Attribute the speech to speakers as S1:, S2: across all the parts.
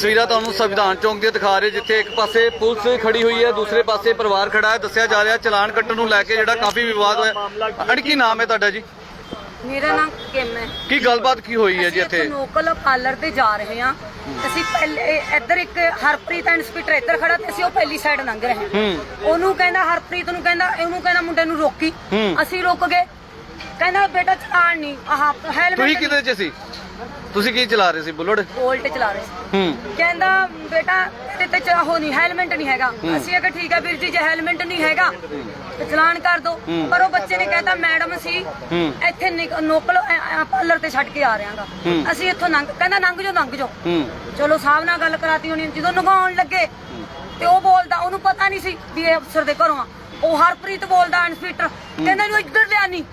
S1: ਤਸਵੀਰਾਂ ਤੁਹਾਨੂੰ ਸੰਵਿਧਾਨ ਚੌਂਕ ਦੀਆਂ ਦਿਖਾ ਰਹੇ, ਜਿੱਥੇ ਇੱਕ ਪਾਸੇ ਪੁਲਿਸ ਖੜੀ ਹੋਈ ਹੈ, ਦੂਸਰੇ ਪਾਸੇ ਪਰਿਵਾਰ ਖੜਾ ਹੈ। ਦੱਸਿਆ ਜਾ ਰਿਹਾ ਚਲਾਨ ਕੱਟਣ ਨੂੰ ਲੈ ਕੇ ਜਿਹੜਾ ਕਾਫੀ ਵਿਵਾਦ ਹੋਇਆ। ਅੜ ਕੀ ਨਾਮ ਹੈ ਤੁਹਾਡਾ ਜੀ?
S2: ਮੇਰਾ ਨਾਮ ਕਿਮ ਹੈ।
S1: ਕੀ ਗੱਲਬਾਤ ਕੀ ਹੋਈ ਹੈ ਜੀ ਇੱਥੇ?
S2: ਲੋਕਲ ਪਾਰਲਰ ਤੇ ਜਾ ਰਹੇ ਹਾਂ ਅਸੀਂ। ਪਹਿਲੇ ਇੱਧਰ ਇੱਕ ਹਰਪ੍ਰੀਤ ਇੰਸਪੈਕਟਰ ਇੱਧਰ ਖੜਾ ਤੇ ਅਸੀਂ ਉਹ ਪਹਿਲੀ ਸਾਈਡ ਲੰਘ ਰਹੇ ਹਾਂ। ਉਹਨੂੰ ਕਹਿੰਦਾ, ਹਰਪ੍ਰੀਤ ਨੂੰ ਕਹਿੰਦਾ, ਇਹਨੂੰ ਕਹਿੰਦਾ ਮੁੰਡੇ ਨੂੰ ਰੋਕੀ। ਅਸੀਂ ਰੁਕ ਗਏ। ਕਹਿੰਦਾ ਬੇਟਾ ਚਲਾਨ ਨਹੀਂ, ਆਹ ਹੈਲਮਟ।
S1: ਤੁਸੀਂ ਕਿਹਦੇ 'ਚ ਸੀ? ਤੁਸੀਂ ਕੀ ਚਲਾ ਰਹੇ ਸੀ? ਬੁਲਟ
S2: ਬੋਲਟ ਚਲਾ ਰਹੇ ਸੀ। ਕਹਿੰਦਾ ਬੇਟਾ ਤੇ ਚਾਹੋ ਨਹੀਂ, ਹੈਲਮਟ ਨਹੀਂ ਹੈਗਾ। ਅਸੀਂ ਅਗਰ ਠੀਕ ਹੈ ਵੀਰ ਜੀ, ਜੇ ਹੈਲਮਟ ਨਹੀਂ ਹੈਗਾ ਤੇ ਚਲਾਨ ਕਰ ਦੋ। ਪਰ ਉਹ ਬੱਚੇ ਨੇ ਕਹਿੰਦਾ ਮੈਡਮ ਸੀ ਇੱਥੇ ਨੋਕਲ ਪਾਰਲਰ ਤੇ ਛੱਡ ਕੇ ਆ ਰਿਹਾਗਾ, ਅਸੀਂ ਇੱਥੋਂ ਕਹਿੰਦਾ ਲੰਘ ਜਾਓ। ਚਲੋ ਸਾਹਿਬ ਨਾਲ ਗੱਲ ਕਰਾਤੀ ਹੋਣੀ। ਜਦੋਂ ਨਗਾਉਣ ਲੱਗੇ ਤੇ ਉਹ ਬੋਲਦਾ, ਉਹਨੂੰ ਪਤਾ ਨਹੀਂ ਸੀ ਵੀ ਇਹ ਅਫਸਰ ਦੇ ਘਰੋਂ ਆ। ਉਹ ਹਰਪ੍ਰੀਤ ਬੋਲਦਾ ਇੰਸਪੈਕਟਰ, ਕਹਿੰਦਾ ਇਹਨੂੰ ਇੱਧਰ ਲਿਆ ਨਹੀਂ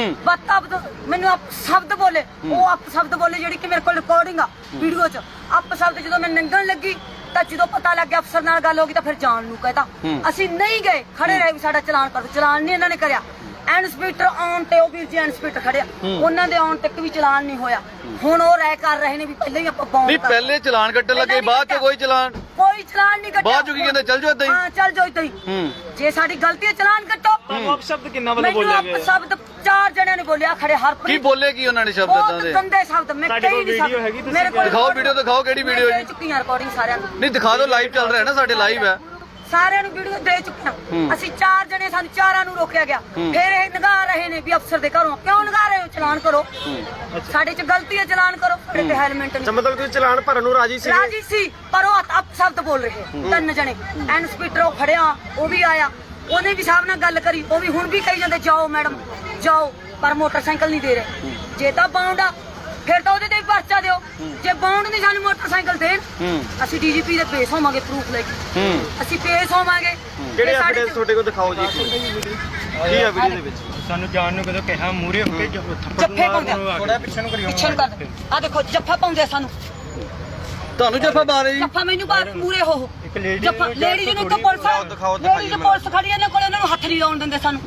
S2: ਮੈਨੂੰ ਅਪ ਸ਼ਬਦ ਬੋਲੇ। ਉਹ ਅਪ ਸ਼ਬਦ ਬੋਲੇ ਜਿਹੜੀ ਕਿ ਮੇਰੇ ਕੋਲ ਰਿਕਾਰਡਿੰਗ ਆ ਵੀਡੀਓ 'ਚ। ਅਪ ਸ਼ਬਦ ਜਦੋਂ ਮੈਂ ਲੰਘਣ ਲੱਗੀ ਤਾਂ ਜਦੋਂ ਪਤਾ ਲੱਗਿਆ ਅਫਸਰ ਨਾਲ ਗੱਲ ਹੋ ਗਈ ਤਾਂ ਫਿਰ ਜਾਣ ਨੂੰ ਕਹਿਤਾ। ਅਸੀਂ ਨਹੀਂ ਗਏ, ਖੜੇ ਰਹੇ ਵੀ ਸਾਡਾ ਚਲਾਨ ਕਰ ਦਿਓ। ਚਲਾਨ ਨਹੀਂ ਇਹਨਾਂ ਨੇ ਕਰਿਆ। ਇੰਸਪੈਕਟਰ ਆਉਣ ਤੇ ਉਹ ਵੀਰ ਜੀ ਇੰਸਪੈਕਟਰ ਖੜਿਆ, ਉਹਨਾਂ ਦੇ ਆਉਣ ਤੱਕ ਵੀ ਚਲਾਨ ਨਹੀਂ ਹੋਇਆ। ਹੁਣ ਉਹ ਰਾਇ ਕਰ ਰਹੇ ਨੇ ਵੀ ਪਹਿਲਾਂ ਹੀ ਆਪਾਂ ਬੌਂਡ ਕਰ।
S1: ਪਹਿਲੇ ਚਲਾਨ ਕੱਟਣ ਲੱਗੇ, ਬਾਅਦ 'ਚ ਕੋਈ ਚਲਾਨ
S2: ਨਹੀਂ ਕੱਟਿਆ।
S1: ਬਾਅਦ 'ਚ ਕੀ ਕਹਿੰਦੇ? ਚੱਲ ਜਾਓ ਏਦਾਂ ਹੀ।
S2: ਹਾਂ ਚੱਲ ਜਾਓ ਏਦਾਂ ਹੀ। ਜੇ ਸਾਡੀ ਗਲਤੀ ਹੈ ਚਲਾਨ ਕੱਟੋ।
S3: ਸ਼ਬਦ ਕਿੰਨਾ ਵਾਲਾ ਬੋਲਿਆ ਗਿਆ?
S2: ਸ਼ਬਦ 4 ਜਣਿਆਂ ਨੇ ਬੋਲਿਆ ਖੜੇ। ਹਰਪ੍ਰੀਤ
S1: ਕੀ ਬੋਲੇ ਕੀ ਉਹਨਾਂ ਨੇ ਸ਼ਬਦ ਇਦਾਂ ਦੇ?
S2: ਗੰਦੇ ਸ਼ਬਦ ਮੈਂ ਕਹੀ ਨਹੀਂ ਸਕਦੀ। ਮੇਰੇ ਕੋਲ
S1: ਦਿਖਾਓ ਵੀਡੀਓ, ਦਿਖਾਓ ਕਿਹੜੀ ਵੀਡੀਓ ਜੀ?
S2: ਚੁੱਕੀਆਂ ਰਿਕਾਰਡਿੰਗ ਸਾਰਿਆਂ ਨੂੰ।
S1: ਨਹੀਂ ਦਿਖਾ ਦਿਓ, ਲਾਈਵ ਚੱਲ ਰਿਹਾ ਨਾ ਸਾਡੇ, ਲਾਈਵ ਹੈ।
S2: ਸਾਰਿਆਂ ਨੂੰ ਵੀਡੀਓ ਦੇ ਚੁੱਕੀਆਂ। ਅਸੀਂ 4 ਜਣੇ, ਸਾਨੂੰ 4ਾਂ ਨੂੰ ਰੋਕਿਆ ਗਿਆ। ਫਿਰ ਇਹ ਨਗਾ ਰਹੇ ਨੇ ਵੀ ਅਫਸਰ ਦੇ ਘਰੋਂ ਕਿਉਂ ਨਗਾ ਰਹੇ ਹੋ? ਚਲਾਨ ਕਰੋ। ਸਾਡੇ 'ਚ ਗਲਤੀ ਹੈ, ਚਲਾਨ ਕਰੋ। ਸਾਡੇ ਤੇ ਹੈਲਮਟ ਨਹੀਂ।
S3: ਮਤਲਬ ਤੁਸੀਂ ਚਲਾਨ ਭਰਨ ਨੂੰ ਰਾਜੀ
S2: ਸੀ ਪਰ ਉਹ ਅਪ ਸ਼ਬਦ ਬੋਲ ਰਹੇ 3 ਜਣੇ। ਇੰਸਪੈਕਟਰ ਉਹ ਖੜਿਆ, ਉਹ ਵੀ ਆਇਆ, ਉਹਨੇ ਵੀ ਸਾਹਿਬ ਨਾਲ ਗੱਲ ਕਰੀ। ਉਹ ਵੀ ਹੁਣ ਵੀ ਕਹੀ ਜਾਂਦੇ ਜਾਓ ਮੈਡਮ ਜਾਓ, ਪਰ ਮੋਟਰਸਾਈਕਲ ਨਹੀਂ ਦੇ ਰਹੇ। ਜੇ ਤਾਂ ਬਾਉਂਡ ਆ ਫਿਰ ਤਾਂ ਉਹਦੇ ਤੇ ਵੀ ਪਰਚਾ ਦਿਓ। ਜੇ ਬਾਉਂਡ ਨਹੀਂ ਸਾਨੂੰ ਮੋਟਰਸਾਈਕਲ ਦੇਣ, ਅਸੀਂ ਡੀਜੀਪੀ ਦੇ ਪੇਸ਼ ਹੋਵਾਂਗੇ ਪ੍ਰੂਫ ਲੈ ਕੇ। ਅਸੀਂ ਪੇਸ਼ ਹੋਵਾਂਗੇ।
S3: ਕਿਹੜੇ ਐਵੀਡੈਂਸ ਤੁਹਾਡੇ ਕੋਲ ਦਿਖਾਓ ਜੀ। ਕੀ ਹੈ ਵੀਡੀਓ ਦੇ ਵਿੱਚ? ਸਾਨੂੰ ਜਾਣ ਨੂੰ ਕਦੋਂ ਕਿਹਾ ਮੂਰੇ ਹੋ ਕੇ
S2: ਜੱਫੇ ਪਾਉਂਦੇ,
S3: ਥੋੜਾ ਪਿੱਛੇ ਨੂੰ ਕਰਿਓ।
S2: ਪਿੱਛੇ ਨੂੰ ਕਰ। ਆ ਦੇਖੋ ਜੱਫਾ ਪਾਉਂਦੇ ਸਾਨੂੰ।
S1: ਤੁਹਾਨੂੰ ਜੱਫਾ ਮਾਰੇ ਜੀ?
S2: ਜੱਫਾ ਮੈਨੂੰ ਬਾਹਰ ਮੂਰੇ ਹੋ ਜੱਫਾ। ਲੇਡੀ ਨੂੰ ਤਾਂ ਪੁਲਿਸ ਖੜੀ ਇਹਨਾਂ ਕੋਲ, ਉਹਨਾਂ ਨੂੰ ਹੱਥ ਨਹੀਂ ਲਾਉਣ ਦਿੰਦੇ ਸਾਨੂੰ।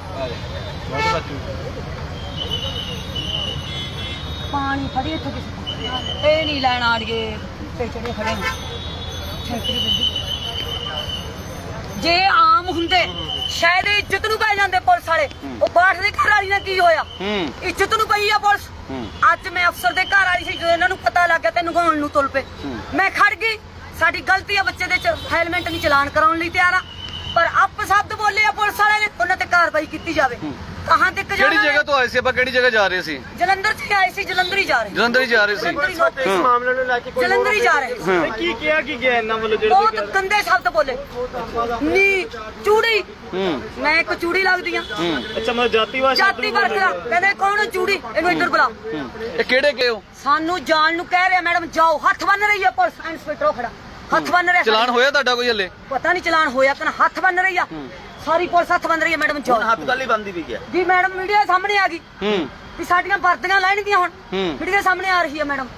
S2: ਪਾਣੀ ਫੜੀ ਇੱਥੋਂ ਕਿਸੇ ਇਹ ਨਹੀਂ ਲੈਣ ਆ ਰਹੀਏ ਤੇ ਚੜੇ ਖੜੇ ਜੇ ਆਮ ਹੁੰਦੇ ਸ਼ਾਇਦ ਇੱਜ਼ਤ ਨੂੰ ਪੈ ਜਾਂਦੇ ਪੁਲਿਸ ਵਾਲੇ। ਉਹ ਬਾਠ ਦੇ ਘਰ ਵਾਲੀ ਨਾਲ ਕੀ ਹੋਇਆ? ਇੱਜ਼ਤ ਨੂੰ ਪਈ ਆ ਪੁਲਿਸ। ਅੱਜ ਮੈਂ ਅਫਸਰ ਦੇ ਘਰ ਵਾਲੀ ਸੀ, ਜਦੋਂ ਇਹਨਾਂ ਨੂੰ ਪਤਾ ਲੱਗ ਗਿਆ ਤੇ ਨਗਾਉਣ ਨੂੰ ਤੁਲ ਪਏ। ਮੈਂ ਖੜ ਗਈ। ਸਾਡੀ ਗਲਤੀ ਆ, ਬੱਚੇ ਦੇ ਹੈਲਮਟ ਨਹੀਂ ਚਲਾਨ ਕਰਾਉਣ ਲਈ ਤਿਆਰ ਆ, ਪਰ ਅਪ ਸ਼ਬਦ ਬੋਲੇ ਆ ਪੁਲਿਸ ਵਾਲੇ ਨੇ, ਉਹਨਾਂ ਤੇ ਕਾਰਵਾਈ ਕੀਤੀ ਜਾਵੇ। ਕਹਾਂ ਤੇ
S1: ਕਿਹੜੀ ਜਗ੍ਹਾ ਤੋਂ ਆਏ ਸੀ ਆਪਾਂ? ਕਿਹੜੀ ਜਗ੍ਹਾ ਜਾ ਰਹੇ ਸੀ?
S2: ਜਲੰਧਰ ਚ ਆਏ ਸੀ। ਜਲੰਧਰ ਹੀ ਜਾ ਰਹੇ
S1: ਸੀ।
S3: ਇਸ ਮਾਮਲੇ ਨੂੰ ਲੈ ਕੇ ਕੋਈ
S2: ਜਲੰਧਰ ਹੀ ਜਾ ਰਹੇ ਸੀ।
S3: ਕੀ ਕਿਹਾ ਕੀ ਗਿਆ ਇਹਨਾਂ ਵੱਲੋਂ? ਜਿਹੜੇ
S2: ਬਹੁਤ ਗੰਦੇ ਸ਼ਬਦ ਬੋਲੇ। ਨੀ ਚੂੜੀ, ਮੈਂ ਇੱਕ ਚੂੜੀ ਲੱਗਦੀ ਆ।
S3: ਅੱਛਾ, ਮੈਂ ਜਾਤੀ
S2: ਵਰਕਰਾ ਕਹਿੰਦੇ ਕੌਣ ਚੂੜੀ? ਇਹਨੂੰ ਇੱਧਰ ਬੁਲਾ।
S1: ਇਹ ਕਿਹੜੇ ਗਏ ਹੋ?
S2: ਸਾਨੂੰ ਜਾਣ ਨੂੰ ਕਹਿ ਰਿਹਾ ਮੈਡਮ ਜਾਓ। ਹੱਥ ਬੰਨ ਰਹੀ ਆ ਪੁਲਿਸ। ਇੰਸਪੈਕਟਰ ਖੜਾ ਹੱਥ ਬੰਨ ਰਿਹਾ।
S1: ਚਲਾਨ ਹੋਇਆ ਤੁਹਾਡਾ ਕੋਈ ਹਲੇ?
S2: ਪਤਾ ਨਹੀਂ ਚਲਾਨ ਹੋਇਆ ਕਿ ਨਾ। ਹੱਥ ਬੰਨ ਰਹੀ ਆ ਸਾਰੀ ਪੁਲਿਸ, ਹੱਥ ਬੰਨ ਰਹੀ ਆ। ਮੈਡਮ ਜਾਓ।
S3: ਹੱਥ ਗੱਲ ਹੀ ਬੰਦੀ ਵੀ ਗਿਆ
S2: ਜੀ। ਮੈਡਮ ਮੀਡੀਆ ਸਾਹਮਣੇ ਆ ਗਈ ਵੀ ਸਾਡੀਆਂ ਵਰਦੀਆਂ ਲੈਣਗੀਆਂ। ਹੁਣ ਮੀਡੀਆ ਸਾਹਮਣੇ ਆ ਰਹੀ ਆ ਮੈਡਮ।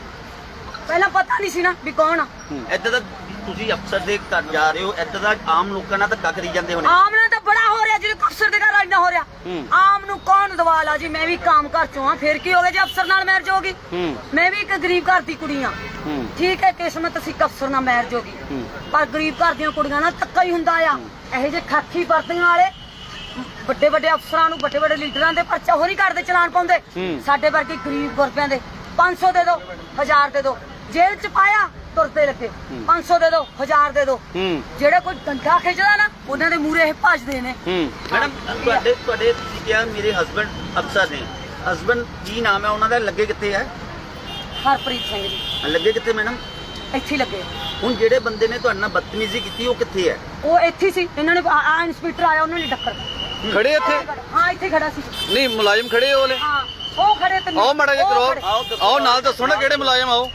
S2: ਪਹਿਲਾਂ ਪਤਾ ਨਹੀਂ ਸੀ ਨਾ ਵੀ ਕੌਣ ਆ।
S4: ਇੱਦਾਂ ਦਾ ਤੁਸੀਂ ਅਫਸਰ ਦੇ ਘਰ ਜਾ ਰਹੇ ਹੋ, ਇੱਦਾਂ ਦਾ ਆਮ ਲੋਕਾਂ ਨਾਲ ਧੱਕਾ ਕਰੀ ਜਾਂਦੇ ਹੋਣੇ।
S2: ਆਮ ਨਾਲ ਤਾਂ ਬੜਾ ਹੋ ਰਿਹਾ, ਜਿਹੜੇ ਅਫਸਰ ਦੇ ਘਰ ਇੰਨਾ ਹੋ ਰਿਹਾ। ਆਮ ਨੂੰ ਕੌਣ ਦਵਾਲਾ ਜੀ? ਮੈਂ ਵੀ ਕੰਮ ਘਰ ਚੋਂ ਆ, ਫਿਰ ਕੀ ਹੋ ਗਿਆ ਜੇ ਅਫਸਰ ਨਾਲ ਮੈਰਿਜ ਹੋ ਗਈ? ਮੈਂ ਵੀ ਇੱਕ ਗਰੀਬ ਘਰ ਦੀ ਕੁੜੀ ਆ। ਠੀਕ ਹੈ, ਕਿਸਮਤ ਸੀ ਅਫਸਰ ਨਾਲ ਮੈਰਿਜ ਹੋ ਗਈ, ਪਰ ਗਰੀਬ ਘਰ ਦੀਆਂ ਕੁੜੀਆਂ ਨਾਲ ਧੱਕਾ ਹੀ ਹੁੰਦਾ ਆ। ਇਹੋ ਜਿਹੇ ਖਾਕੀ ਵਰਦੀਆਂ ਵਾਲੇ ਵੱਡੇ ਵੱਡੇ ਅਫਸਰਾਂ ਨੂੰ, ਵੱਡੇ ਵੱਡੇ ਲੀਡਰਾਂ ਦੇ ਪਰਚਾ ਹੋ ਨਹੀਂ ਕਰਦੇ, ਚਲਾਨ ਪਾਉਂਦੇ। ਸਾਡੇ ਵਰਗੇ ਗਰੀਬ ਗੁਰਬਿਆਂ ਦੇ 500 ਦੇ ਦਿਓ, 1000 ਦੇ ਦਿਓ। ਜੇਲ੍ਹ ਚ ਪਾਇਆ ਤੁਰਦੇ ਲੱਗੇ। 500 ਦੇ ਦਿਓ, 1000 ਦੇ ਦਿਓ। ਜਿਹੜੇ ਕੋਈ ਡੰਡਾ ਖਿੱਚਦਾ ਨਾ, ਉਹਨਾਂ ਦੇ ਮੂਹਰੇ ਇਹ ਭੱਜਦੇ ਨੇ।
S4: ਮੈਡਮ ਤੁਹਾਡੇ ਤੁਸੀਂ ਕਿਹਾ ਮੇਰੇ ਹਸਬੰਡ ਅਫਸਰ ਨੇ। ਹਸਬੰਡ ਕੀ ਨਾਮ ਹੈ ਉਹਨਾਂ ਦਾ? ਲੱਗੇ ਕਿੱਥੇ ਹੈ?
S2: ਹਰਪ੍ਰੀਤ ਸਿੰਘ ਜੀ।
S4: ਲੱਗੇ ਕਿੱਥੇ ਮੈਡਮ?
S2: ਇੱਥੇ ਲੱਗੇ।
S4: ਹੁਣ ਜਿਹੜੇ ਬੰਦੇ ਨੇ ਤੁਹਾਡੇ ਨਾਲ ਬਦਤਮੀਜ਼ੀ ਕੀਤੀ ਉਹ ਕਿੱਥੇ ਹੈ?
S2: ਉਹ ਇੱਥੇ ਸੀ। ਇਹਨਾਂ ਨੇ ਇੰਸਪੈਕਟਰ ਆਇਆ, ਉਹਨਾਂ ਨੇ ਟੱਕਰ
S1: ਖੜੇ ਇੱਥੇ?
S2: ਹਾਂ ਇੱਥੇ ਖੜਾ ਸੀ।
S1: ਨਹੀਂ ਮੁਲਾਜ਼ਮ ਖੜੇ ਹੋ ਵਾਲੇ?
S2: ਹਾਂ ਉਹ ਖੜੇ ਤੇ
S1: ਆਓ ਮਾੜਾ ਜਿਹਾ ਕਰੋ। ਆਓ ਨਾਲ ਦੱਸੋ ਨਾ ਕਿਹੜੇ ਮੁਲਾਜ਼ਮ ਆਓ।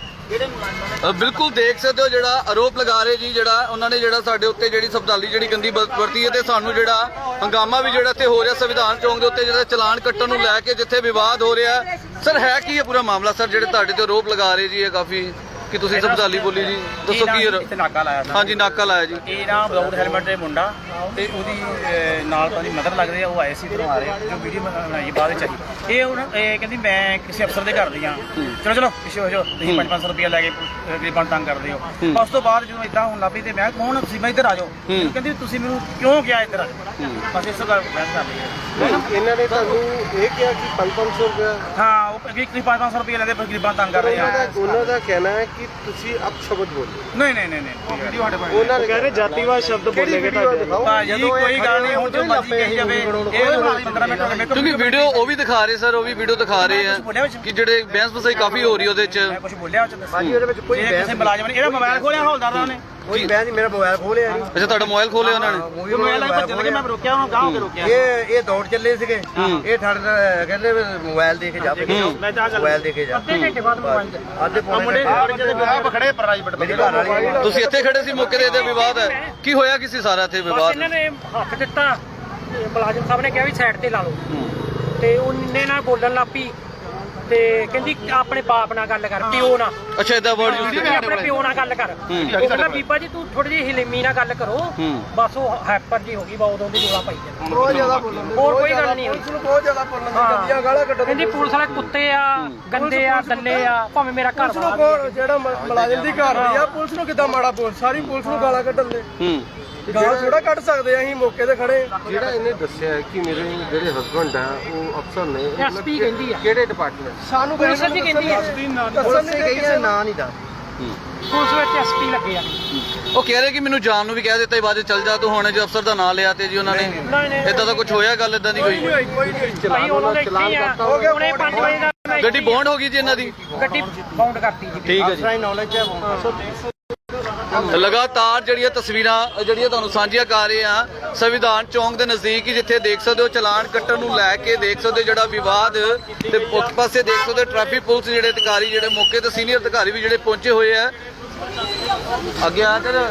S1: ਬਿਲਕੁਲ ਦੇਖ ਸਕਦੇ ਹੋ ਜਿਹੜਾ ਆਰੋਪ ਲਗਾ ਰਹੇ ਜੀ, ਜਿਹੜਾ ਉਹਨਾਂ ਨੇ ਜਿਹੜਾ ਸਾਡੇ ਉੱਤੇ ਜਿਹੜੀ ਸ਼ਬਦਾਵਲੀ ਜਿਹੜੀ ਗੰਦੀ ਵਰਤੀ ਹੈ, ਤੇ ਸਾਨੂੰ ਜਿਹੜਾ ਹੰਗਾਮਾ ਵੀ ਜਿਹੜਾ ਇੱਥੇ ਹੋ ਰਿਹਾ ਸੰਵਿਧਾਨ ਚੌਂਕ ਦੇ ਉੱਤੇ, ਜਿਹੜਾ ਚਲਾਨ ਕੱਟਣ ਨੂੰ ਲੈ ਕੇ ਜਿੱਥੇ ਵਿਵਾਦ ਹੋ ਰਿਹਾ। ਸਰ ਹੈ ਕੀ ਹੈ ਪੂਰਾ ਮਾਮਲਾ ਸਰ, ਜਿਹੜੇ ਤੁਹਾਡੇ ਤੇ ਆਰੋਪ ਲਗਾ ਰਹੇ ਜੀ? ਇਹ ਕਾਫੀ ਕਿ ਤੁਸੀਂ ਸਮਝਾਲੀ ਬੋਲੀ ਜੀ, ਦੱਸੋ ਕੀ
S3: ਇੱਥੇ ਨਾਕਾ ਲਾਇਆ ਸੀ।
S1: ਹਾਂਜੀ ਨਾਕਾ ਲਾਇਆ ਜੀ।
S3: ਇਹ ਨਾ ਵਿਦਆਊਟ ਹੈਲਮਟ ਦੇ ਮੁੰਡਾ ਤੇ ਉਹਦੀ ਨਾਲ ਤਾਂ ਉਹਦੀ ਮਦਰ ਲੱਗਦੇ ਆ, ਉਹ ਆਏ ਸੀ ਇੱਧਰੋਂ ਆ ਰਹੇ ਜੋ ਵੀਡੀਓ ਬਣਾਈ ਬਾਅਦ ਵਿੱਚ ਆਈ। ਇਹ ਹੁਣ ਇਹ ਕਹਿੰਦੀ ਮੈਂ ਕਿਸੇ ਅਫਸਰ ਦੇ ਘਰ ਦੀ ਆ, ਚਲੋ ਚਲੋ ਪਿੱਛੇ ਹੋ ਜਾਓ, ਤੁਸੀਂ 500 ਰੁਪਇਆ ਲੈ ਕੇ ਗਰੀਬਾਂ ਤੰਗ ਕਰਦੇ ਹੋ। ਉਸ ਤੋਂ ਬਾਅਦ ਜਦੋਂ ਇਦਾਂ ਹੋਣ ਲੱਗ ਪਈ ਤੇ ਮੈਂ ਕੌਣ ਤੁਸੀਂ, ਮੈਂ ਇੱਧਰ ਆ ਜਾਓ, ਕਹਿੰਦੀ ਤੁਸੀਂ ਮੈਨੂੰ ਕਿਉਂ ਕਿਹਾ ਇੱਧਰ ਆ ਜਾਓ, ਬਸ ਇਸ ਗੱਲ ਬਹਿਸ ਕਰ ਲਈ ਹੈ।
S5: ਇਹਨਾਂ ਨੇ ਤੁਹਾਨੂੰ ਇਹ ਕਿਹਾ ਕਿ 500 ਰੁਪਏ,
S3: ਹਾਂ ਉਹ ਕਿ 500 ਰੁਪਇਆ ਲੈਂਦੇ ਪਰ ਗਰੀਬਾਂ ਤੰਗ ਕਰ ਰਹੇ ਆ।
S5: ਉਹਨਾਂ ਦਾ ਕਹਿਣਾ ਹੈ ਕਿ ਤੁਸੀਂ ਅਪਸ਼ਬਦ ਬੋਲੇ।
S3: ਨਹੀਂ ਨਹੀਂ ਨਹੀਂ ਨਹੀਂ
S5: ਉਹਨਾਂ ਨੇ ਕਹਿੰਦੇ ਜਾਤੀਵਾਦ ਸ਼ਬਦ ਬੋਲੇਗੇ ਤੁਹਾਡੇ।
S3: ਭਾਜੀ ਕੋਈ ਗੱਲ ਨਹੀਂ, ਹੁਣ ਜੋ ਮਰਜ਼ੀ ਕਹੀ ਜਾਵੇ। ਇਹ 15 ਮਿੰਟ ਹੋ ਗਏ
S1: ਕਿਉਂਕਿ ਵੀਡੀਓ ਉਹ ਵੀ ਦਿਖਾ ਰਹੇ ਸਰ, ਉਹ ਵੀ ਵੀਡੀਓ ਦਿਖਾ ਰਹੇ ਆ ਕਿ ਜਿਹੜੇ ਬਹਿਸ ਬਸਾਈ ਕਾਫੀ ਹੋ ਰਹੀ ਉਹਦੇ ਚ।
S3: ਮੈਂ ਕੁਝ ਬੋਲਿਆ ਉਹ ਚ
S5: ਭਾਜੀ ਉਹਦੇ ਵਿੱਚ ਕੋਈ
S3: ਕਿਸੇ ਮੁਲਾਜ਼ਮ ਨੇ ਇਹਦਾ ਮੋਬਾਈਲ ਖੋਲਿਆ ਹੌਲਦਾਰ ਦਾ ਨੇ।
S5: ਕੋਈ ਬਹਿਸ ਨਹੀਂ, ਮੇਰਾ ਮੋਬਾਈਲ ਖੋਲਿਆ ਜੀ।
S1: ਅੱਛਾ ਤੁਹਾਡਾ ਮੋਬਾਈਲ ਖੋਲਿਆ ਉਹਨਾਂ ਨੇ?
S3: ਮੋਬਾਈਲ ਲੈ ਭੱਜਣ ਲੱਗੇ, ਮੈਂ ਰੋਕਿਆ ਉਹਨੂੰ, ਗਾਂਹ ਹੋ ਕੇ ਰੋਕਿਆ।
S5: ਇਹ ਦੌੜ ਚੱਲੇ ਸੀਗੇ, ਇਹ ਠੜ ਕਹਿੰਦੇ ਮੋਬਾਈਲ ਦੇ ਕੇ ਜਾ, ਮੋਬਾਈਲ ਦੇ ਕੇ ਜਾ।
S3: ਅੱਧੇ ਘੰਟੇ ਬਾਅਦ ਮੋਬਾਈਲ
S5: ਅੱਧੇ ਪੌਣੇ
S3: ਖੜੇ ਪ੍ਰਾਈਵੇਟ
S5: ਮੇਰੀ ਘਰ ਵਾਲੀ
S1: ਤੁਸੀਂ ਇੱਥੇ ਖੜੇ ਸੀ ਮੌਕੇ ਤੇ ਇਹਦੇ ਵਿਵਾਦ ਹੈ ਕੀ ਹੋਇਆ? ਕਿਸੇ ਸਾਰਾ ਇੱਥੇ ਵਿਵਾਦ?
S6: ਇਹਨਾਂ ਨੇ ਹੱਥ ਦਿੱਤਾ, ਮੁਲਾਜ਼ਮ ਸਾਹਿਬ ਨੇ ਕਿਹਾ ਵੀ ਸਾਈਡ ਤੇ ਲਾ ਲਓ, ਤੇ ਉਹਨੇ ਨਾਲ ਬੋਲਣ ਲੱਪੀ ਤੇ ਕਹਿੰਦੀ ਆਪਣੇ ਬਾਪ ਨਾਲ ਗੱਲ ਕਰ, ਪਿਓ ਨਾਲ।
S1: ਅੱਛਾ ਇਦਾਂ ਵਰਡ ਯੂਜ਼
S6: ਕਹਿੰਦੀ ਆਪਣੇ ਪਿਓ ਨਾਲ ਗੱਲ ਕਰ। ਉਹ ਕਹਿੰਦਾ ਬੀਬਾ ਜੀ ਤੂੰ ਥੋੜੀ ਜਿਹੀ ਹਿਲੇਮੀ ਨਾਲ ਗੱਲ ਕਰੋ, ਬਸ ਉਹ ਹੈਪਰ ਜੀ ਹੋ ਗਈ, ਬਾ ਉਦੋਂ ਦੀ ਰੋਲਾ ਪਾਈ ਜਾਂਦਾ।
S5: ਬਹੁਤ ਜ਼ਿਆਦਾ ਬੋਲਣ,
S6: ਹੋਰ ਕੋਈ ਗੱਲ ਨਹੀਂ ਹੋਈ।
S5: ਬਹੁਤ ਜ਼ਿਆਦਾ ਬੋਲਣ ਦੀ ਗੰਦੀਆਂ ਗਾਲਾਂ ਕੱਢਣ।
S6: ਕਹਿੰਦੀ ਪੁਲਿਸ ਵਾਲੇ ਕੁੱਤੇ ਆ, ਗੰਦੇ ਆ, ਦੱਲੇ ਆ, ਭਾਵੇਂ ਮੇਰਾ ਘਰ ਵਾਲਾ
S5: ਜਿਹੜਾ ਮੁਲਾਜ਼ਮ ਦੀ ਘਰ ਦੀ ਆ, ਪੁਲਿਸ ਨੂੰ ਕਿੱਦਾਂ ਮਾੜਾ ਬੋਲ, ਸਾਰੀ ਪੁਲਿਸ ਨੂੰ ਗਾਲਾਂ ਕੱਢਣ ਦੇ। ਗਾਲਾਂ ਥੋੜਾ ਕੱਢ ਸਕਦੇ ਆ, ਅਸੀਂ ਮੌਕੇ ਤੇ ਖੜੇ। ਜਿਹੜਾ ਇਹਨੇ ਦੱਸਿਆ ਕਿ ਮੇਰੇ ਜਿਹੜੇ ਹਸਬੰਡ ਆ ਉਹ ਅਫਸਰ ਨੇ,
S6: ਐਸਪੀ ਕਹਿੰਦੀ ਆ,
S5: ਕਿਹੜੇ ਡਿਪਾਰਟਮੈਂਟ? ਸਾਨੂੰ
S6: ਪੁਲਿਸ ਜੀ ਕਹਿੰਦੀ ਆ,
S5: ਪੁਲਿਸ ਨੇ ਕਹੀ ਹੈ, ਨਾਂ ਨਹੀਂ ਦੱਸ।
S6: ਪੁਲਿਸ ਵਿੱਚ ਐਸਪੀ ਲੱਗੇ ਆ।
S1: ਉਹ ਕਹਿ ਰਹੇ ਕਿ ਮੈਨੂੰ ਜਾਣ ਨੂੰ ਵੀ ਕਹਿ ਦਿੱਤਾ ਬਾਅਦ ਚੱਲ ਜਾ ਤੂੰ, ਹੁਣ ਜੋ ਅਫਸਰ ਦਾ ਨਾਂ ਲਿਆ ਤੇ ਜੀ ਉਹਨਾਂ ਨੇ ਇਦਾਂ ਦਾ ਕੁਝ ਹੋਇਆ? ਗੱਲ ਇਦਾਂ ਦੀ ਕੋਈ?
S6: ਭਾਈ ਉਹਨਾਂ ਦੇ ਇੱਥੇ ਆ, ਹੁਣੇ 5 ਵਜੇ ਦਾ
S1: ਗੱਡੀ ਬੌਂਡ ਹੋ ਗਈ ਜੀ ਇਹਨਾਂ ਦੀ?
S6: ਗੱਡੀ ਬਾਉਂਡ ਕਰਤੀ ਜੀ।
S1: ਠੀਕ ਹੈ ਜੀ।
S5: ਨੌਲੇਜ ਹੈ।
S1: ਲਗਾਤਾਰ ਜਿਹੜੀਆਂ ਤਸਵੀਰਾਂ ਜਿਹੜੀਆਂ ਤੁਹਾਨੂੰ ਸਾਂਝੀਆਂ ਕਰ ਰਹੇ ਆ ਸੰਵਿਧਾਨ ਚੌਂਕ ਦੇ ਨਜ਼ਦੀਕ ਹੀ, ਜਿੱਥੇ ਦੇਖ ਸਕਦੇ ਹੋ ਚਲਾਨ ਕੱਟਣ ਨੂੰ ਲੈ ਕੇ ਦੇਖ ਸਕਦੇ ਹੋ ਜਿਹੜਾ ਵਿਵਾਦ, ਤੇ ਉਸ ਪਾਸੇ ਦੇਖ ਸਕਦੇ ਹੋ ਟ੍ਰੈਫਿਕ ਪੁਲਿਸ ਜਿਹੜੇ ਅਧਿਕਾਰੀ ਜਿਹੜੇ ਮੌਕੇ ਤੇ ਸੀਨੀਅਰ ਅਧਿਕਾਰੀ ਵੀ ਜਿਹੜੇ ਪਹੁੰਚੇ ਹੋਏ ਆ। ਅੱਗੇ ਆ ਕਰ